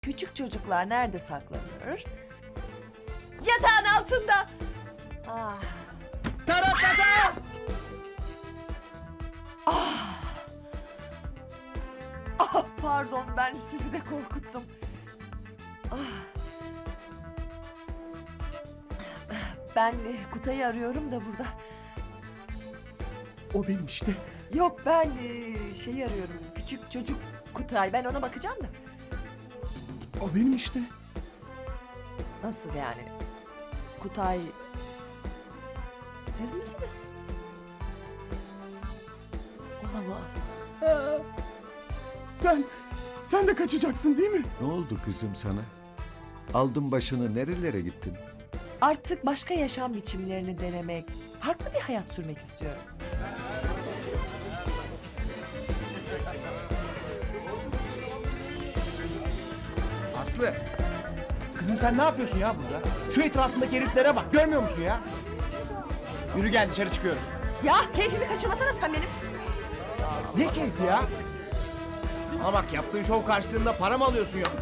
Küçük çocuklar nerede saklanır? Yatağın altında. Ah. Taratata! Ah, pardon, ben sizi de korkuttum. Ah. Ben Kutay'ı arıyorum da burada. O benim işte. Yok, ben şeyi arıyorum. Küçük çocuk Kutay. Ben ona bakacağım da. O benim işte. Nasıl yani? Kutay... Siz misiniz? Olamaz. Sen de kaçacaksın değil mi? Ne oldu kızım sana? Aldın başını nerelere gittin? Artık başka yaşam biçimlerini denemek, farklı bir hayat sürmek istiyorum. Aslı. Kızım sen ne yapıyorsun ya burada? Şu etrafındaki heriflere bak. Görmüyor musun ya? Yürü gel dışarı çıkıyoruz. Ya keyfimi kaçırmasana sen benim. Ne keyfi ya? Bana bak yaptığın şov karşılığında para mı alıyorsun ya?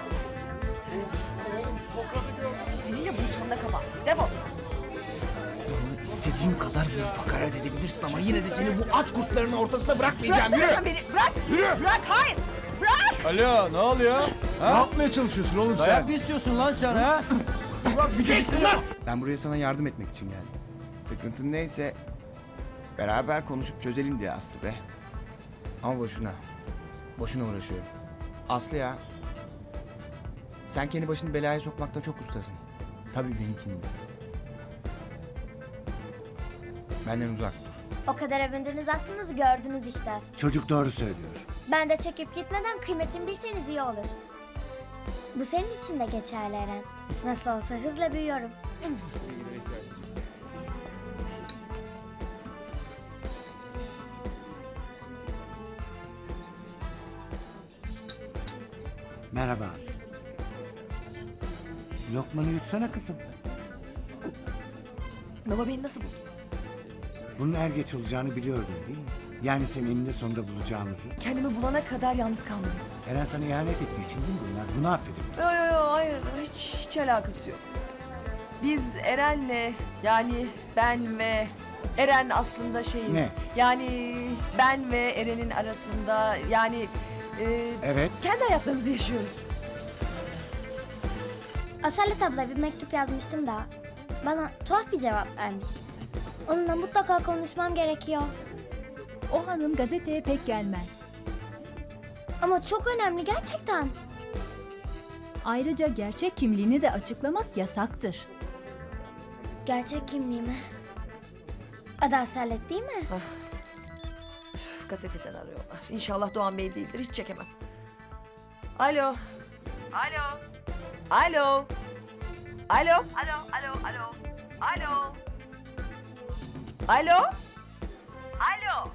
Seninle buluşmam da kapat. Defol. İstediğin kadar büyük hakaret edebilirsin ama yine de seni bu aç kurtların ortasında bırakmayacağım. Bıraksana Yürü! sen beni. Bırak. Yürü! Bırak, hayır. Bırak. Alo, ne oluyor? Ne yapmaya çalışıyorsun oğlum Dayak mı istiyorsun lan sen ha? Ben buraya sana yardım etmek için geldim. Sıkıntın neyse beraber konuşup çözelim diye Aslı be. Ama boşuna. Boşuna uğraşıyorum. Aslı ya. Sen kendi başını belaya sokmakta çok ustasın. Tabii benimkini de. Benden uzak dur. O kadar övündünüz aslınızı gördünüz işte. Çocuk doğru söylüyor. Ben de çekip gitmeden kıymetimi bilseniz iyi olur. Bu senin için de geçerli Eren. Nasıl olsa hızla büyüyorum. Merhaba Aslı. Lokmanı yutsana kızım. Baba beni nasıl buldun? Bunun er geç olacağını biliyordun değil mi? Yani seni eninde sonunda bulacağımızı. Kendimi bulana kadar yalnız kalmadım. Eren sana ihanet ettiği için değil mi bunlar? Bunu affedin. Yo, hayır, hiç alakası yok. Biz Eren'le, yani ben ve Eren aslında şeyiz. Ne? Yani ben ve Eren'in arasında, yani Evet. kendi hayatlarımızı yaşıyoruz. Asalet abla bir mektup yazmıştım da bana tuhaf bir cevap vermiş. Onunla mutlaka konuşmam gerekiyor. O hanım gazeteye pek gelmez. Ama çok önemli gerçekten. Ayrıca gerçek kimliğini de açıklamak yasaktır. Gerçek kimliğimi. Adı Asalet değil mi? Üf, gazeteden arıyorlar. İnşallah Doğan Bey değildir, hiç çekemem. Alo. Alo. Alo. Alo. Alo. Alo. Alo. Alo.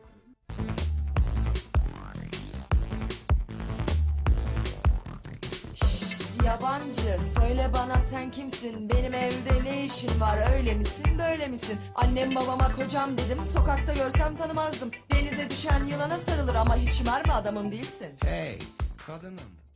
Şşt, yabancı, söyle bana sen kimsin? Benim evde ne işin var? Öyle misin, böyle misin? Annem babama kocam dedim, sokakta görsem tanımazdım. Denize düşen yılana sarılır ama hiç mermi adamım değilsin. Hey kadınım.